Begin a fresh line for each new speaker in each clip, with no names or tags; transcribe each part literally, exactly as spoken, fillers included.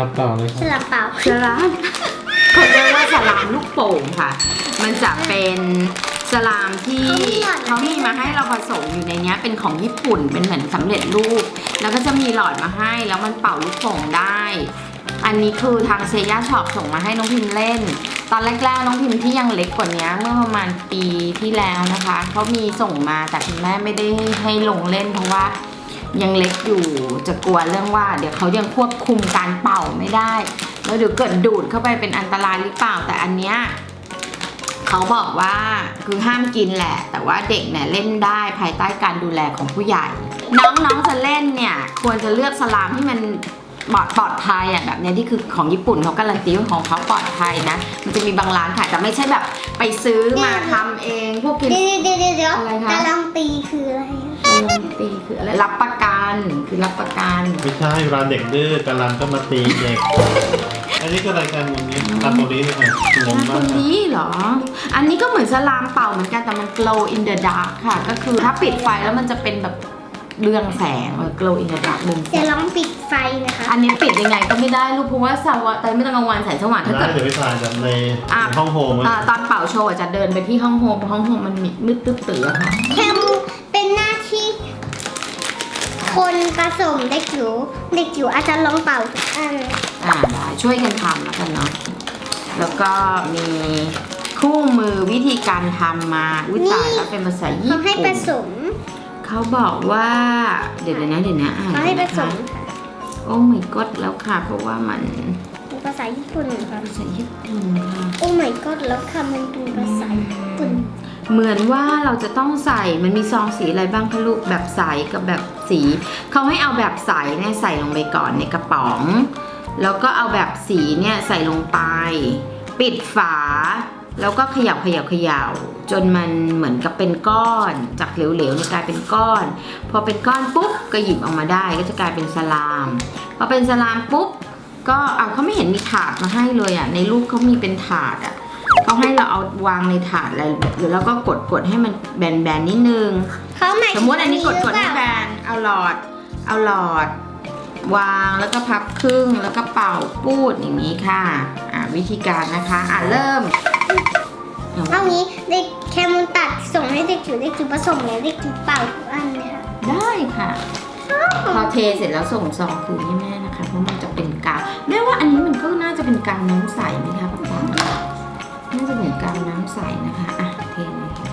ามเปล่าเลยครับ
สลับเปล่า
สลามเขาเรียกว่าสลามลูกโป่งค่ะมันจะเป็นสลามที่เขามีมาให้เราผสมอยู่ในนี้เป็นของญี่ปุ่นเป็นเหมือนสำเร็จรูปแล้วก็จะมีหลอดมาให้แล้วมันเป่าลูกโป่งได้อันนี้คือทางเซย่าช็อปส่งมาให้น้องพิมเล่นตอนแรกๆน้องพิมที่ยังเล็กกว่านี้เมื่อประมาณปีที่แล้วนะคะเขามีส่งมาแต่คุณแม่ไม่ได้ให้ลงเล่นเพราะว่ายังเล็กอยู่จะกลัวเรื่องว่าเดี๋ยวเขายังควบคุมการเป่าไม่ได้แล้วเดี๋ยวเกิดดูดเข้าไปเป็นอันตรายหรือเปล่าแต่อันเนี้ยเขาบอกว่าคือห้ามกินแหละแต่ว่าเด็กเนี่ยเล่นได้ภายใต้การดูแลของผู้ใหญ่น้องๆจะเล่นเนี่ยควรจะเลือกสลามที่มันปลอดภัยอ่ะแบบนี้ที่คือของญี่ปุ่นเขาการันตีว่าของเขาปลอดภัยนะมันจะมีบางร้านขายแต่ไม่ใช่แบบไปซื้อมาทำเองพวกกิน
เดี๋ยวเดี๋ยวเดี๋ยวเดี๋ยว
อะไรคะ
การันตีคืออะไร
การันตีคืออะไรรับประกันคือรับประกัน
ไม่ใช่เวลาเด็กดื้อการันก็มาตีเด็ก อันนี้ก็รายการวันนี้ตามโมนี้เลยค่ะงง
ค
มาก
น
ค่ะ
นี้เหรออันนี้ก็เหมือนสลามเป่าเหมือนกันแต่มัน glow in the dark ค่ะก็คือถ้าปิดไฟแล้วมันจะเป็นแบบเรืองแสง glow in the dark เรืองแส
เดี๋ยว
ง
ลองปิดไฟนะคะ
อันนี้ปิดยังไงก็ไม่ได้ลูกเพราะว่าสว่างแต่ไม่ต้องกลางวันแสงสว่างถ้า
ได้
เกิด
เดี๋ยวไปถ่ายแบบใน
อ่ะ
ห้องโฮม
อ่าตอนเป่าโชว์อาจจะเดินไปที่ห้องโฮมเพราะห้องโฮมมันมืดตึ๊บตื่อค่ะ
แคมเป็นหน้าที่คนผสมเด็กจิ๋วเด็กจิ๋วอาจจะลองเป่าทุกอัน
อ่าได้ช่วยกันทำแล้วกันเนาะแล้วก็มีคู่มือวิธีการทำมาอุ้ยตายแล้วเป็นภาษาญี่
เขาให้ผ
ปุ่น
สม
เขาบอกว่าเดี๋ยวนะเดี๋ยวนะอ่าน
เขาให้ผ
นะ
ส
คะ
มค่ะ
โอ้ my god แล้วค่ะเพราะว่ามัน
เป็นภาษาญี่ปุ่นค่ะ
ภาษาญี่ปุ่นค่ะ
โอ้ my god แล้วค่ะมันเป็นภาษาญี่ปุ่น
เหมือนว่าเราจะต้องใส่มันมีซองสีอะไรบ้างคะลูกแบบใสกับแบบสีเขาให้เอาแบบใสเนี่ยใส่ลงไปก่อนในกระป๋อง แล้วก็เอาแบบสีเนี่ยใส่ลงไป ปิดฝาแล้วก็เขย่าเขย่าเขย่าจนมันเหมือนกับเป็นก้อนจากเหลวๆเนี่ยกลายเป็นก้อน พอเป็นก้อนปุ๊บก็หยิบออกมาได้ก็จะกลายเป็นสลามพอเป็นสลามปุ๊บก็เอาเขาไม่เห็นมีถาดมาให้เลยอ่ะในรูปเขามีเป็นถาดอ่ะเขาให้เราเอาวางในถาดอะไรหรือแล้วก็กดกดให้มันแบนๆนิดนึง
เขาหมาย
สมมติอันนี้กดกดให้แบนเอาหลอดเอาหลอดวางแล้วก็พับครึ่งแล้วก็เป่าปูดอย่างนี้ค่ะอ่าวิธีการนะคะอ่าเริ่ม
เอางี้เด็กแคมูนตัดส่งให้เด็กจิ๋วเด็กจิ๋วผสมเนี่ยเด็กจิ๋วเป่าทุกอันเลยค่ะ
ได้ค่ะ พอเทเสร็จแล้วส่งซองคืนให้แม่นะคะเพราะมันจะเป็นกาวแม่ว่าอันนี้มันก็น่าจะเป็นกาวน้ำใสไหมคะป๊าป๊าน่าจะเหมือนกาวน้ำใสนะคะอ่ะเทเลยค่ะ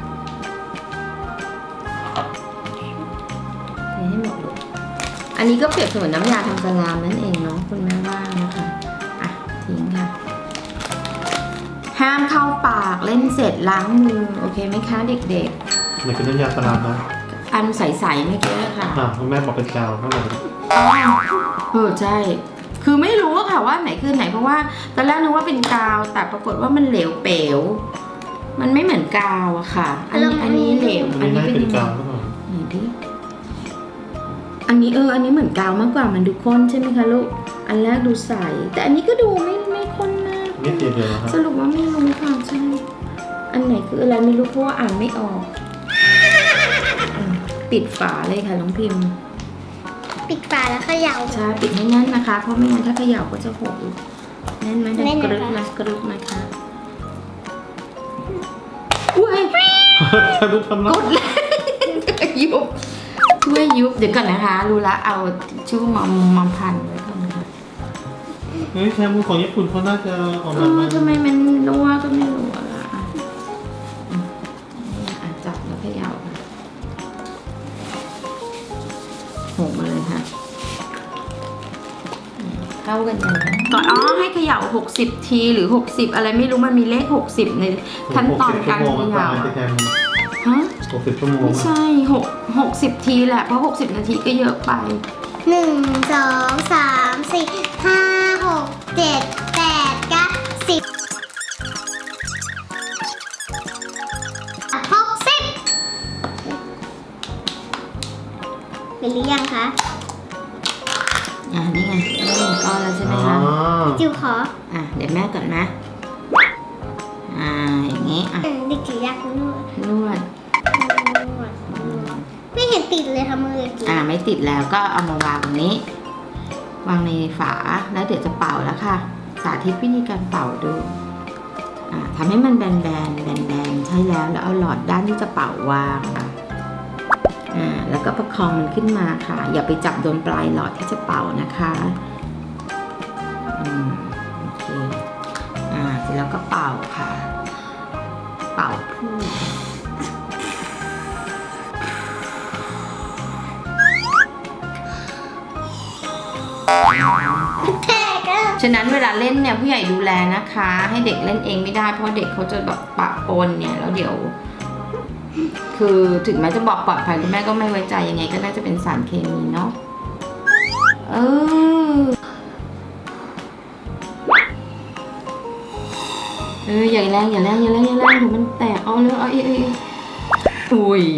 เทให้หมดเลยอันนี้ก็เปรียบเสมือนน้ำยาทำสลามนั่นเองเนาะคุณแม่ว่านะคะอ่ะทิ้งค่ะห้ามเข้าปากเล่นเสร็จล้างมือโอเคไหมคะเด็กๆ
มันคือน้ำยาสลามนะ
อันใสๆเมื่อกี้ค่ะ
อ่ะคุณแม่บอกเป็นกาวข้างใน
อ๋อเออใช่ คือไม่รู้อะค่ะว่าไหนคือไหนเพราะว่าตอนแรกนึกว่าเป็นกาวแต่ปรากฏว่ามันเหลวเป๋วมันไม่เหมือนกาวอะค่ะ อันนี้อันนี้เหลว
อัน
อัน
นี้
นี้
ไม่
เป็น
เป็น
ยังไง
กาวหรือเปล่า
ไหนดิอันนี้เอออันนี้เหมือนกาวมากกว่ามันดูข้นใช่ไหมคะลูกอันแรกดูใสแต่อันนี้ก็ดูไม่ไม่ข้นมาก
นี่สีเหลืองครับ
สรุปว่าไม่รู้ค่ะใช่อันไหนคืออะไรไม่รู้เพราะว่าอ่านไม่ออกอืมปิดฝาเลยค่ะน้องพิมพ์
ปิดฝาแล้วเขย่า
ใช่ปิดให้แน่นนะคะ เพราะไม่งั้นถ้าเขย่าก็จะหกอีกแน่นไหมดั
แน่
ง
น
ก
นะคะ
รึกนะกรึกนะคะอุ้ย
แค่รู้ทำ
ก
แล้ว
ดเลยยุบช่วยยุบเดี๋ยวก่อนนะคะ รู้ละเอาชู่มามาพันไว้ก่อนนะคะ
เฮ้ยแค่มือของญี่ปุ่นเขาน่าจะออก
เอ
มา
อ
มา
ทำไมมันรั่วก็ไม่รู้อะล่ะอ่ะอืมอ่ะจับแล้วเขย่าค่ะหกมาเลยค่ะ เข้ากันยังไงก่อนอ๋อให้เขย่าหกสิบทีหรือหกสิบอะไรไม่รู้มันมีเลขหกสิบในขั้นตอนการ
หกสิบชั่วโมง
เขย่า
ตายไปแทน
ฮะ
หกสิบชั่วโมง
ไม่ใช่หกหกสิบทีแหละเพราะหกสิบนาทีก็เยอะไป
หนึ่งสองสามสี่ห้าหกเจ็ดแปดเก้าสิบหกสิบเป็นหรือยังคะ
อ่านี่ไงได้หนึ่งก้อนแล้วใช่ไหม
อ๋อ
คะ
จิ๋วขอ
อ่ะเดี๋ยวแม่ก่อนนะอ่าอย่างนี้อ่ะ
อืมเด็กจิ๋วอยากนวด
นวด
นวดนวดไม่เห็นติดเลยค่ะมือเด็กจิ๋ว
อ่าไม่ติดแล้วก็เอามาวางตรงนี้วางในฝาแล้วเดี๋ยวจะเป่าแล้วค่ะ สาธิตวิธีการเป่าดูอ่าทำให้มันแบนๆแบนๆใช่แล้วแล้วเอาหลอดด้านที่จะเป่าวางค่ะอ่าแล้วก็ประคองมันขึ้นมาค่ะ อย่าไปจับโดนปลายหลอดที่จะเป่านะคะอืมโอเคอ่าเสร็จแล้วก็เป่าค่ะ เป่าพูด
แพ้ก็
ฉะนั้นเวลาเล่นเนี่ยผู้ใหญ่ดูแลนะคะ ให้เด็กเล่นเองไม่ได้เพราะเด็กเขาจะแบบปะปนเนี่ยแล้วเดี๋ยว คือถึงแม้จะบอกปลอดภัยคุณแม่ก็ไม่ไว้ใจยังไงก็น่าจะเป็นสารเคมีเนาะเออเอออย่าแรงอย่าแรงอย่าแรงอย่าแรงเดี๋ยวมันแตกเอาเลยเอาเอ้ยอุ้ย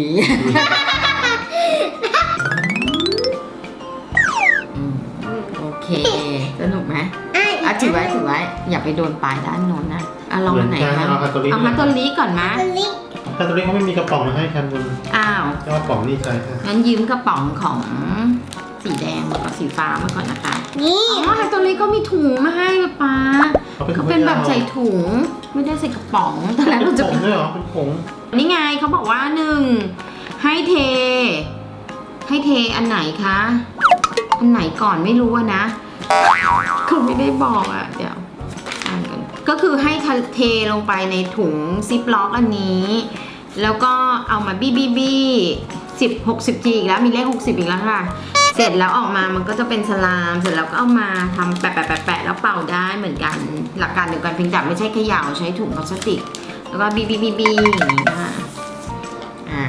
โอเคสนุกไหม
ไอ้
อ่ะถือไว้ถือไว้อย่าไปโดนปลายด้านโน้นนะอ่ะลองอันไหน
เหมือนกั
คะ
นเอาฮัตโตริ
เอาฮัตโตริก่อนมะ
ตัวเล็ก
คาโตริเขาไม่มีกระป๋องมาให้กันบน
อ้าว
แต่ว่ากระป๋องนี่ใช่ค่ะ
งั้นยืมกระป๋องของสีแดงกับสีฟ้ามาก่อนนะคะ
นี่
อ๋อฮัตโตริก็มีถุงมาให้ป้า
เขาเป็น
เขาเป็นแบบใส่ถุงไม่ได้ใส่กระป๋องตอนแรก
เป็
เรา
น
จะ
ผงด้วยเหรอเป็นผง
นี่ไงเขาบอกว่าหนึ่งให้เท ให้เทอันไหนคะอันไหนก่อนไม่รู้อะนะเขาไม่ได้บอกอะเดี๋ยวอ่านกันก็คือให้เทลงไปในถุงซิปล็อกอันนี้ แล้วก็เอามาบี้บี้บี้สิบหกสิบจีอีกแล้วมีเลขหกสิบอีกแล้วค่ะ เสร็จแล้วออกมามันก็จะเป็นสลามเสร็จแล้วก็เอามาทำแปะแปะแปะแปะแล้วเป่าได้เหมือนกันหลักการเดียวกันเพียงแต่ไม่ใช่เขย่าใช้ถุงพลาสติกแล้วก็บี้บี้บี้บี้อย่างนี้นะคะอ่า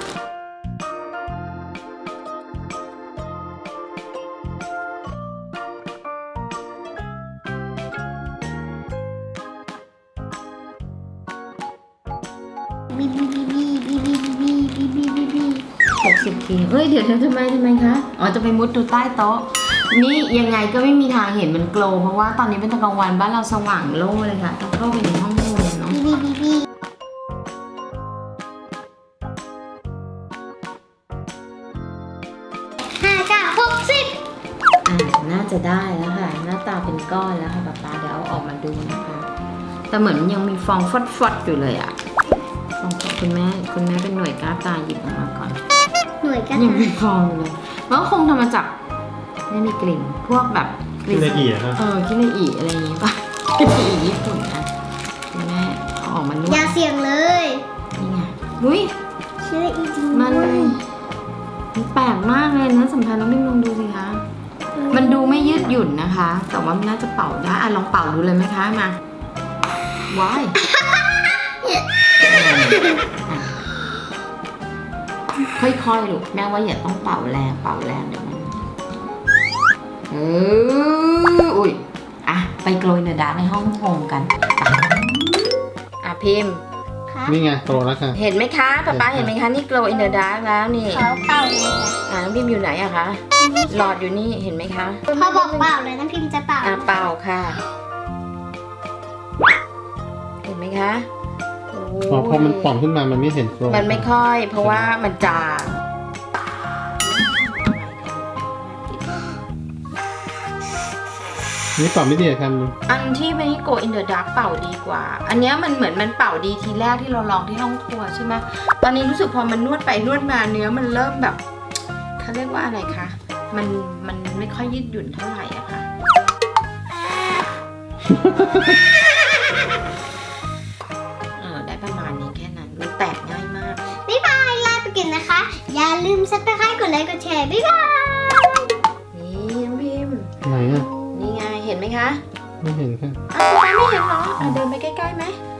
บีบีบีบีบีบีบีบีบีบีบี
หกสิบทีเฮ้ยเดี๋ยวทำไมทำไมคะอ๋อจะไปมุดดูใต้โต๊ะนี่ยังไงก็ไม่มีทางเห็นมันโกลว์เพราะว่าตอนนี้เป็นตอนกลางวันบ้านเราสว่างโล่งเลยค่ะต้องเข้าไปในห้องนอนเนาะ
บีบีบีห้าเก้าหกสิบ
อ่าน่าจะได้แล้วค่ะ หน้าตาเป็นก้อนแล้วค่ะป๊าป๊าเดี๋ยวเอาออกมาดูนะคะ แต่เหมือนยังมีฟองฟดๆอยู่เลยอะฟองคุณแม่คุณแม่เป็นหน่วยกล้าตาหยิบออกมาก่อน
หน่วยกัน
ยังมีฟองอยู่เลยมันก็คงทำมาจากไม่มีกลิ่นพวกแบบก
ที่
ลิ่น
ละเอียดครับ
เออคิเลอีอะไรอย่างงี้ป่ะคิเลอีญี่ปุ่นนะคุณแม่เอาออกมานวด
อย่าเสี่ยงเลย
นี่ไงอุ้ย
เชื่ออีจริง
มัน
ด้วย
มันแปลกมากเลยนะสัมพันธ์น้องบิมลองดูสิคะ มันดูไม่ยืดหยุ่นนะคะ แต่ว่ามันน่าจะเป่าได้อ่ะลองเป่าดูเลยไหมคะมาว้ายค่อยๆลูกแม่ว่าอย่าต้องเป่าแรงเป่าแรงเดี๋ยวมันเอออุ้ยอ่ะไปโกลยเนอดาในห้องโฮมกันไปอ่ะพิมพ์
ค่ะ
นี่ไงโตแล้วค่ะ
เห็นไหมคะป๊าป๊าเห็นไหมคะนี่ glow in the dark แล้วนี่
เขาเป่าเลยค่ะ
อ่าน้องพิมพ์อยู่ไหนอะคะหลอดอยู่นี่เห็นไหมคะ
เขาบอกเป่าเลยน้ำพิมพ์จะเป่า
อ่าเป่าค่ะ เห็นไหมคะโ
อ๋อพอมันป่องขึ้นมามันไม่เห็นโครง
มันไม่ค่อย เพราะว่ามันจาง
นี่ป่องไม่ดีอะครับ
อันที่ไม่ go in the dark เป่าดีกว่า อันเนี้ยมันเหมือนมันเป่าดีทีแรกที่เราลองที่ห้องครัวใช่ไหมตอนนี้รู้สึกพอมันนวดไปนวดมาเนื้อมันเริ่มแบบเขาเรียกว่าอะไรคะมันมันไม่ค่อยยืดหยุ่นเท่าไหร่อะค่ะ เออได้ประมาณนี้แค่นั้นมันแตกง่ายมาก
บ๊ายบายลาไปกินนะคะ อย่าลืมซับสไครต์กดไลค์กดแชร์บ๊ายบาย
นี่น้องพิมพ์
ไหนอะ
นี่ไงเห็นไหมคะ
ไม่เห็นค่ะ
อ้าวป๊าไม่เห็นเหรออ่ะเดินไปใกล้ๆไหม